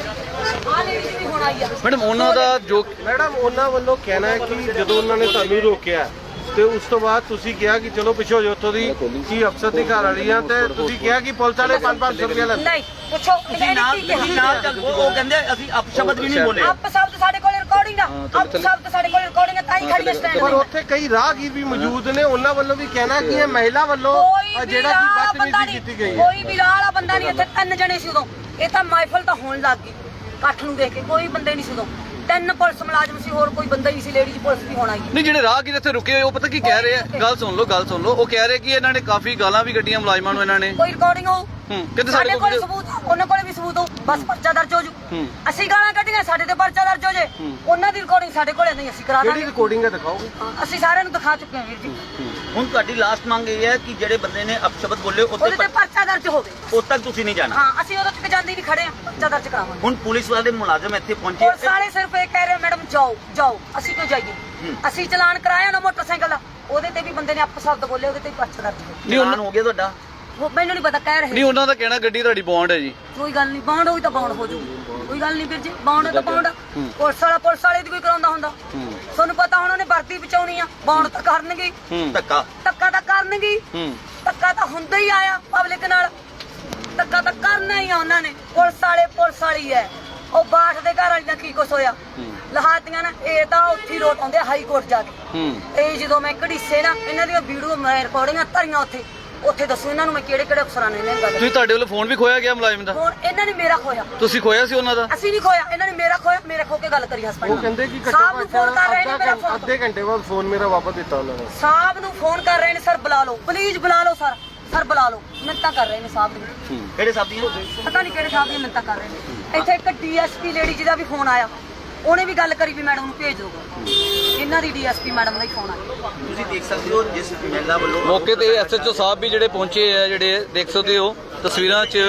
S1: ਮੈਡਮ ਉਹਨਾਂ ਦਾ ਜੋ
S5: ਮੈਡਮ ਉਹਨਾਂ ਵੱਲੋਂ ਕਹਿਣਾ ਹੈ ਕਿ ਜਦੋਂ ਉਹਨਾਂ ਨੇ ਤੁਹਾਨੂੰ ਰੋਕਿਆ ਤੇ ਉਸ ਤੋਂ ਬਾਅਦ ਤੁਸੀਂ ਕਿਹਾ ਕਿ ਚਲੋ ਪਿੱਛੇ ਹੋ ਜਾਓ, ਉੱਥੋਂ ਦੀ ਕੀ ਅਫਸਰ ਦੀ ਘਰ ਵਾਲੀ ਆ, ਤੇ ਤੁਸੀਂ ਕਿਹਾ ਕਿ ਪੁਲਿਸ ਵਾਲੇ 500 ਰੁਪਏ ਲੈਂਦੇ।
S2: ਨਹੀਂ ਪੁੱਛੋ
S4: ਤੁਸੀਂ ਨਾਲ ਚੱਲ, ਉਹ ਕਹਿੰਦੇ ਅਸੀਂ ਅਪਸ਼ਬਦ ਵੀ ਨਹੀਂ ਬੋਲੇ।
S2: ਆਪ ਸ਼ਬਦ ਸਾਡੇ ਕੋਲ ਰਿਕਾਰਡਿੰਗ ਆ, ਆਪ ਸ਼ਬਦ ਸਾਡੇ ਕੋਲ ਰਿਕਾਰਡਿੰਗ ਆ, ਤਾਂ ਹੀ ਖੜੀ ਸਟੈਂਡ
S5: ਪਰ
S2: ਤੇ।
S5: ਉੱਥੇ ਕਈ ਰਾਹਗੀਰ ਵੀ ਮੌਜੂਦ ਨੇ, ਉਹਨਾਂ ਵੱਲੋਂ ਵੀ ਕਹਿਣਾ ਕਿ ਇਹ ਮਹਿਲਾ ਵੱਲੋਂ ਜਿਹੜਾ ਕਿ ਬਦਤਮੀਜ਼ੀ ਕੀਤੀ ਗਈ ਹੈ।
S2: ਕੋਈ ਵੀ ਰਾਹ ਵਾਲਾ ਬੰਦਾ ਨਹੀਂ, ਇੱਥੇ 3 ਜਣੇ ਸੀ ਉਦੋਂ। ਇਹ ਤਾਂ ਮਾਈਫਲ ਤਾਂ ਹੋਣ ਲੱਗ ਗਈ, ਇਕੱਠ ਨੂੰ ਦੇਖ ਕੇ ਕੋਈ ਬੰਦੇ ਨਹੀਂ ਸੀ ਉਦੋਂ। 3 ਪੁਲਿਸ ਮੁਲਾਜ਼ਮ ਸੀ, ਹੋਰ ਕੋਈ ਬੰਦਾ ਹੀ ਨਹੀਂ ਸੀ, ਲੇਡੀਜ਼ ਪੁਲਿਸ ਵੀ ਹੋਣਾ ਹੀ।
S1: ਨਹੀਂ ਜਿਹੜੇ ਰਾਹਗੀਰ ਇੱਥੇ ਰੁਕੇ ਹੋਏ ਉਹ ਪਤਾ ਕੀ ਕਹਿ ਰਹੇ ਆ? ਗੱਲ ਸੁਣ ਲਓ, ਗੱਲ ਸੁਣ ਲਓ। ਉਹ ਕਹਿ ਰਹੇ ਕਿ ਇਹਨਾਂ ਨੇ ਕਾਫੀ ਗਾਲਾਂ ਵੀ ਕੱਢੀਆਂ ਮੁਲਾਜ਼ਮਾਂ ਨੂੰ ਇਹਨਾਂ ਨੇ।
S2: ਕੋਈ ਰਿਕਾਰਡਿੰਗ ਹੋ,
S1: ਕਹਿੰਦੇ
S2: ਸਾਡੇ ਕੋਲ ਸਬੂਤ ਆ, ਉਹਨਾਂ ਕੋਲ ਵੀ ਸਬੂਤ ਹੋ, ਬਸ ਪਰਚਾ ਦਰਜ ਹੋ ਜੂ। ਅਸੀਂ ਗਾਲਾਂ ਕੱਢੀਆਂ, ਸਾਡੇ ਤੇ ਪਰਚਾ ਦਰਜ ਹੋ ਜੇ। ਉਹਨਾਂ ਦੀ ਰਿਕਾਰਡਿੰਗ ਸਾਡੇ ਕੋਲ ਨਹੀਂ, ਅਸੀਂ ਕਰਾ
S5: ਕਿਹੜੀ
S2: ਦਾਂਗੇ।
S5: ਰਿਕਾਰਡਿੰਗ ਹੈ ਦਿਖਾਓਗੇ?
S2: ਅਸੀਂ ਸਾਰਿਆਂ ਨੂੰ ਦਿਖਾ ਚੁੱਕੇ ਹਾਂ ਵੀਰ ਜੀ।
S4: ਹੁਣ ਤੁਹਾਡੀ ਲਾਸਟ ਮੰਗ ਇਹ ਹੈ ਕਿ ਜਿਹੜੇ ਬੰਦੇ ਨੇ ਅਪਸ਼ਬਦ ਬੋਲੇ
S2: ਉਹਦੇ ਤੇ
S4: ਉੱਤੇ
S2: ਪਰਚਾ ਦਰਜ ਹੋਵੇ।
S4: ਉਦ ਤੱਕ ਤੁਸੀਂ ਨਹੀਂ ਜਾਣਾ।
S2: ਹਾਂ ਅਸੀਂ ਉਦੋਂ ਤੱਕ ਜਾਂਦੇ ਨਹੀਂ, ਖੜੇ ਆ, ਪਰਚਾ ਦਰਜ ਕਰਾਵਾਂਗੇ।
S4: ਹੁਣ ਪੁਲਿਸ ਵਾਲੇ ਮੁਲਾਜ਼ਮ ਇੱਥੇ ਪਹੁੰਚੇ,
S2: ਪੁਲਿਸ ਵਾਲੇ ਸਿਰਫ ਇਹ ਕਹਿ ਰਹੇ ਮੈਡਮ ਜਾਓ ਜਾਓ, ਅਸੀਂ ਕਿਉਂ ਜਾਈਏ? ਅਸੀਂ ਚਲਾਨ ਕਰਾਇਆ ਨਾ ਮੋਟਰਸਾਈਕਲ ਦਾ, ਉਹਦੇ ਤੇ ਵੀ ਬੰਦੇ ਨੇ ਅਪਸ਼ਬਦ ਬੋਲੇ, ਉਹਦੇ ਤੇ ਵੀ ਪਰਚਾ ਦਰਜ ਹੋਵੇ।
S1: ਨਹੀਂ ਉਹਨਾਂ
S4: ਹੋ ਗਿਆ ਤੁਹਾਡਾ?
S2: ਉਹ ਮੈਨੂੰ ਨਹੀਂ ਪਤਾ, ਕਹਿ ਰਹੇ।
S1: ਨਹੀਂ ਉਹਨਾਂ ਦਾ ਕਹਿਣਾ ਗੱਡੀ ਤੁਹਾਡੀ ਬੌਂਡ ਹੈ ਜੀ।
S2: ਕੋਈ ਗੱਲ ਨਹੀਂ, ਬਾਉਂਡ ਹੋਈ ਤਾਂ ਬਾਉਂਡ ਹੋ ਜੂ, ਕੋਈ ਗੱਲ ਨਹੀਂ ਵੀਰ ਜੀ, ਬਾਉਂਡ ਤਾਂ ਬਾਉਂਡ। ਪੁਲਿਸ ਵਾਲੇ ਦੀ ਕੋਈ ਕਰਾਉਂਦਾ ਹੁੰਦਾ? ਤੁਹਾਨੂੰ ਪਤਾ ਹੁਣ ਉਹਨੇ ਵਰਦੀ ਬਚਾਉਣੀ ਆ, ਬਾਉਂਡ ਤਾਂ ਕਰਨਗੇ,
S4: ਧੱਕਾ
S2: ਧੱਕਾ ਤਾਂ ਕਰਨਗੇ, ਧੱਕਾ ਤਾਂ ਹੁੰਦਾ ਹੀ ਆਇਆ ਪਬਲਿਕ ਨਾਲ, ਧੱਕਾ ਤਾਂ ਕਰਨਾ ਹੀ ਆ ਉਹਨਾਂ ਨੇ। ਪੁਲਿਸ ਵਾਲੀ ਹੈ। ਉਹ ਬਾਠ ਦੇ ਘਰ ਵਾਲੀ ਦਾ ਕੀ ਕੁਛ ਹੋਇਆ, ਲਹਾਤੀਆਂ ਨਾ, ਇਹ ਤਾਂ ਉੱਥੇ ਰੋਟ ਆਉਂਦੇ ਹਾਈ ਕੋਰਟ ਜਾ ਕੇ। ਇਹ ਜਦੋਂ ਮੈਂ ਘੜੀਸੇ ਨਾ ਇਹਨਾਂ ਦੀਆਂ ਵੀਡੀਓ ਰਿਕਾਰਡਿੰਗਾਂ ਧਰੀਆਂ ਉੱਥੇ ਦੱਸੋ ਇਹਨਾਂ ਨੂੰ ਮੈਂ ਕਿਹੜੇ ਅਫਸਰਾਂ ਨੇ ਇਹਨਾਂ ਗੱਲ।
S1: ਤੁਸੀਂ ਤੁਹਾਡੇ ਵੱਲੋਂ ਫੋਨ ਵੀ ਖੋਇਆ ਗਿਆ ਮੁਲਾਜ਼ਮ ਦਾ?
S2: ਹੁਣ ਇਹਨਾਂ ਨੇ ਮੇਰਾ ਖੋਇਆ। ਤੁਸੀਂ
S1: ਖੋਇਆ ਸੀ ਉਹਨਾਂ ਦਾ?
S2: ਅਸੀਂ ਨਹੀਂ ਖੋਇਆ, ਇਹਨਾਂ ਨੇ ਮੇਰਾ ਖੋਇਆ। ਮੇਰੇ ਖੋ ਕੇ ਗੱਲ ਕਰੀ ਹਸਬੰਡ
S5: ਉਹ ਕਹਿੰਦੇ ਕਿ
S2: ਸਾਹਿਬ ਨੂੰ ਫੋਨ ਕਰ ਰਹੇ ਨੇ, ਮੇਰਾ ਫੋਨ
S5: ਅੱਧੇ ਘੰਟੇ ਬਾਅਦ ਫੋਨ ਮੇਰਾ ਵਾਪਸ ਦਿੱਤਾ ਉਹਨਾਂ ਨੇ।
S2: ਸਾਹਿਬ ਨੂੰ ਫੋਨ ਕਰ ਰਹੇ ਨੇ, ਸਰ ਬੁਲਾ ਲਓ, ਪਲੀਜ਼ ਬੁਲਾ ਲਓ ਸਰ, ਸਰ ਬੁਲਾ ਲਓ। ਮਿੰਤਾਂ ਕਰ ਰਹੇ ਨੇ ਸਾਹਿਬ ਨੂੰ।
S4: ਕਿਹੜੇ ਸਾਹਿਬ ਦੀਆਂ?
S2: ਪਤਾ ਨਹੀਂ ਕਿਹੜੇ ਸਾਹਿਬ ਦੀਆਂ ਮਿੰਤਾਂ ਕਰ ਰਹੇ ਨੇ। ਇੱਥੇ ਇੱਕ ਡੀਐਸਪੀ ਲੇਡੀ ਜਿਹਦਾ ਵੀ ਫੋਨ ਆਇਆ, ਉਹਨੇ ਵੀ ਗੱਲ ਕਰੀ ਵੀ ਮੈਡਮ ਨੂੰ ਭੇਜ ਦਿਓ। ਇਹਨਾਂ ਦੀ ਡੀਐਸਪੀ ਮੈਡਮ ਦਾ ਹੀ ਫੋਨ ਆਇਆ।
S4: ਤੁਸੀਂ ਦੇਖ ਸਕਦੇ ਹੋ ਜਿਸ ਮਹਿਲਾ ਵੱਲੋਂ
S1: ਮੌਕੇ ਤੇ ਐਸਐਚਓ ਸਾਹਿਬ ਵੀ ਜਿਹੜੇ ਪਹੁੰਚੇ ਆ, ਜਿਹੜੇ ਦੇਖ ਸਕਦੇ ਹੋ ਤਸਵੀਰਾਂ 'ਚ।